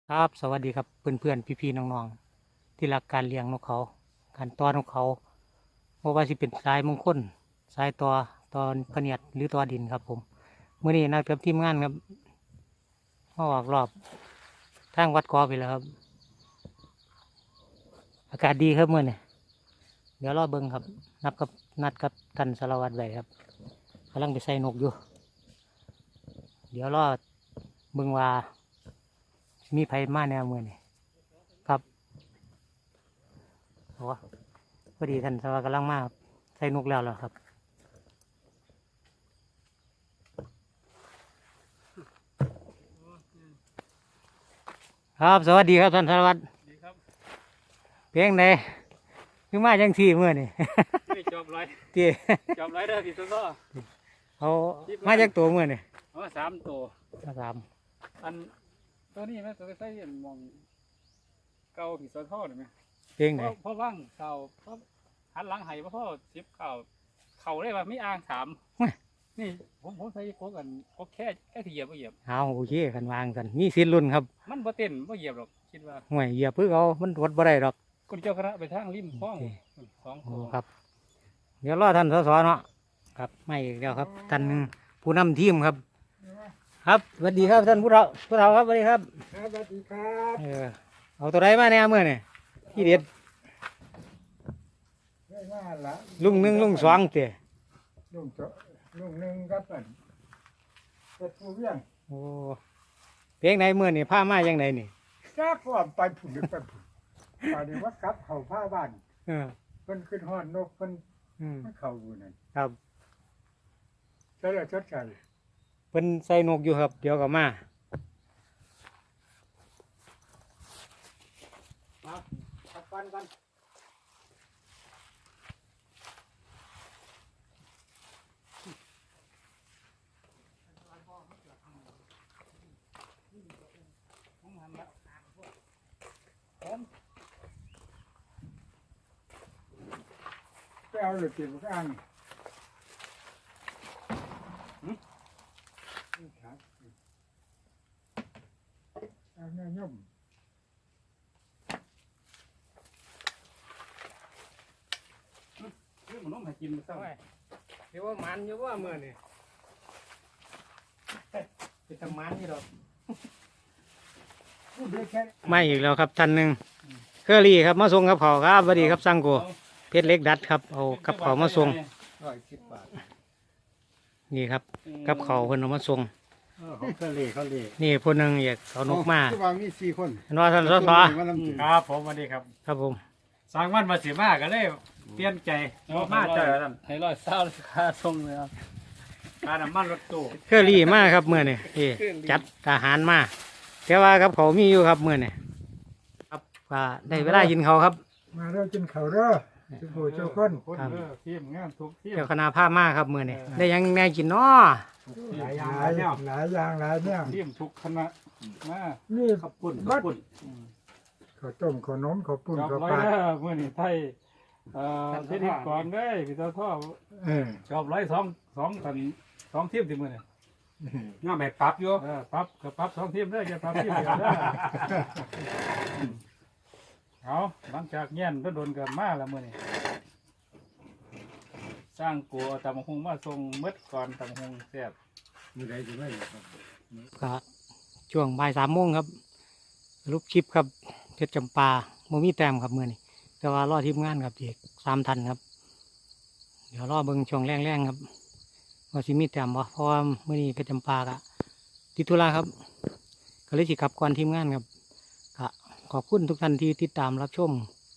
ครับสวัสดีครับเพื่อนๆพี่ๆน้องๆที่รักการเลี้ยงนกเขาการต้อนนกเขาเพราะว่าสิเป็นสายมงคลสายตอพะเนียดหรือตอดินครับผมเมื่อนี้นัดกับทีมงานครับมาออกรอบทางวัดกอไปแล้วครับอากาศดีครับเมื่อนี้เดี๋ยวรอเบิ้งครับนัดกับท่านสารวัตรไว้ครับกำลังไปใส่นกอยู่เดี๋ยวรอเบิ้งว่ามีไผมาแนวเมื่อนี้ครับโอ้พอดีท่านสารวัตรกำลังมาครับใส่นกแล้วเหรอครับครับสวัสดีครับท่านสารวัตรดีครับเพียงใดคือมาจังสี่เมื่อนี่ไม่จบร้อยเตี้ยจบร้อยเด้อพี่ต้นก็เอามาจากตัวเมื่อนี่เอามา3 ตัวมาสามอันตัวนี้แม่ตัวใส่มองเก่าพี่ต้นท่อได้ไหมเพียงใดเพราะว่างเก่าเพราะหันหลังให้พ่อ10เก่าเขาได้ว่าไม่อ่างถามนี่ผมใส่โคกันโคแค่ที่เหยียบบ่เหยียบเอาโอเคกันวางกันมีสิทธิ์ลุ้นครับมันบ่เต้นบ่เหยียบหรอกคิดว่าห่วยเหยียบเพื่อเอามันวดบ่ได้หรอกคนเจ้าคณะไปทางริมคลอง2 โอ้ตัวครับ เดี๋ยวรอท่านสสเนาะครับไม่อีกแล้วครับท่านผู้นำทีมครับ ครับสวัสดีครับท่านผู้เฒ่าครับสวัสดีครับครับสวัสดีครับเอาตัวใดมาแน่เมื่อนี่ที่เด็ดเรื่องว่าละลุงหนึ่งลุงสองเตะลุงเจาะลุงหนึ่งครับอันเป็นผู้เวียงโอ้เพียงใดเมื่อนี่ผ้ามายังไงนี่ทราบว่าไปผุนหรือไปผุนตอนนี้ว่ากลับเขาผ้าบ้านเออเพิ่นขึ้นห้อนนกเพิ่นอืมมันเขาอยู่นั่นครับใช่แล้วชดใช้เพิ่นใส่นกอยู่ครับ เดี๋ยวก็มาขับฟันกันผมไปเอาเลยตีมันก็อ้างครับเอาเนื้อย่อมเรื่องมันต้องให้กินมันเศร้าเดี๋ยวว่ามันอยู่ว่าเมื่อนี่เป็นทำมันนี่หรอกพูดได้แค่ไม่อีกแล้วครับท่านหนึ่งเคอรี่ครับมาส่งกับเขาวครับสวัสดีครับสังโกเพชรเล็กดัดครับเอากับเขาวมาส่ง 110 บาทนี่ครับกับเขาวเพิ่นเอามาส่งของเขาเล่นี่ผู้หนึงอยากเอานกมาคือว่ามี4 คนเห็นว่าท่านสสครับผมสวัสดีครับครับผมสร้างวันมาสิมาก็เลยเปลี่ยนใจมาเจอท่านให้ร้อยเศร้าค่าส่งเลยครับค่าน้ำมันรถตู้เคอรี่มาครับเมื่อนี่จัดอาหารมาแต่ว่ากับเขาวมีอยู่ครับเมื่อนี่ครับก็ได้เวลากินเขาวครับมาเด้อกินข้าวเด้อทุกผู้ทุกคนคนเด้อทีมงานทุกทีมเจ้าคณะผ้ามาครับเมื่อนี่ได้หยังแน่กินเนาะหลายอย่างหหลาลาย ยแนวหลายอย่างหลายแนวทีมทุกคณะมานี่ขับปุ่นบัขัดบปุ่นข้าวต้มข้าวนมข้าวปุ้นจอบข้าวร้อยปลาเด้อมื่อนี้ไทยพิธีกรได้พี่ตาท่อเออจอบร้อย2ทีมที่มื่อนี้ง่าแบบปรับอยู่ปรับกับปรับ2ทีมได้อจะปรับทีมเดียวได้อเอาหลังจากเงี้ยนก็โดนกันมาแล้วมื่อนี้สร้างกลัวตำบักหงมาส่งมืดก่อนตำบักหงแซ่บมีอะไรอยู่ไหมครับก็ช่วงบ่าย3 โมงครับรูปคลิปครับเพชรจำปาโมมีแต้มครับเมื่อนี้แต่ว่ารอทีมงานครับอีก3 ทันครับ เดี๋ยวรอเบิ่งช่วงแรงๆครับว่าสิมีแต้มบ่เพราะว่าเมื่อนี้เพชรจำปากะติดธุระครับก็เลยสิกลับก่อนทีมงานครับก็ขอบคุณทุกท่านที่ติดตามรับชม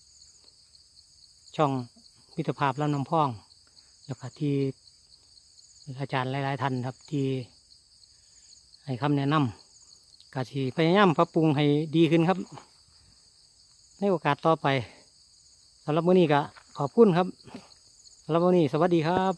ช่องมิตรภาพลำน้ำพอง แล้วก็ที่อาจารย์หลายๆท่านครับที่ให้คำแนะนำก็สิพยายามปรับปรุงให้ดีขึ้นครับ ในโอกาสต่อไปสำหรับมื้อนี้ก็ขอบคุณครับสำหรับมื้อนี้สวัสดีครับ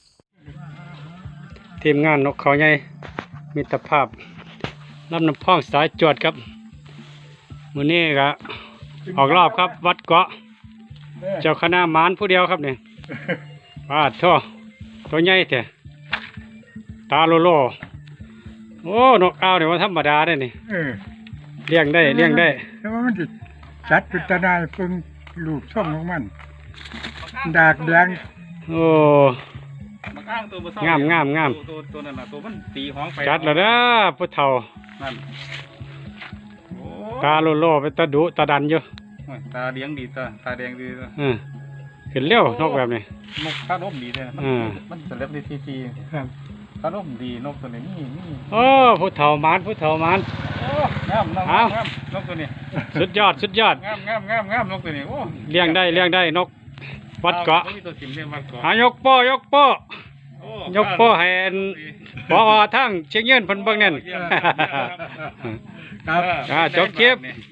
ทีมงานนกเขาใหญ่มิตรภาพลำน้ำพองสายจวดครับมื้อนี้ก็ออกรอบครับวัดเกาะเจ้าคณะหมานผู้เดียวครับเนี่ยปาดท่อตัวใหญ่แต่ตาโลโลโอ้นกเอาเนี่ยว่าธรรมดาได้นี่เออเลี้ยงได้เลี้ยงได้แล้วมันจะจัดเป็นตาได้เพิ่งลูกช่องของมัน ดากแดงโอ้บักอ้างตัวบ่เศร้างามงามตัวนั้นน่ะตัวมันตีห้องไปจัดแล้วนะผู้เฒ่านั่นโอ้ตาโลโลไปตาดุตาดันอยู่ยตาเลี้ยงดีตาแดงดีตัวขึ้นเร็วนกแบบนี้นกข้าร่มดีเลยนะอืมมันจะเล็บได้ทีครับข้าร่มดีนกตัวนี้นี่โอ้ผู้เฒ่าหมานผู้เฒ่าหมานโอ้งามนกเอางามนกตัวนี้สุดยอดสุดยอดงามนกตัวนี้โอ้เลี้ยงได้นกวัดเกาะมีตัวสิมเรียกวัดเกาะหายกโป้ยกโป้โอ้ยกโป้ให้อันพอทั้งเชียงยืนเพิ่นเบิ่งนั่นเยี่ยมครับครับจบคลิป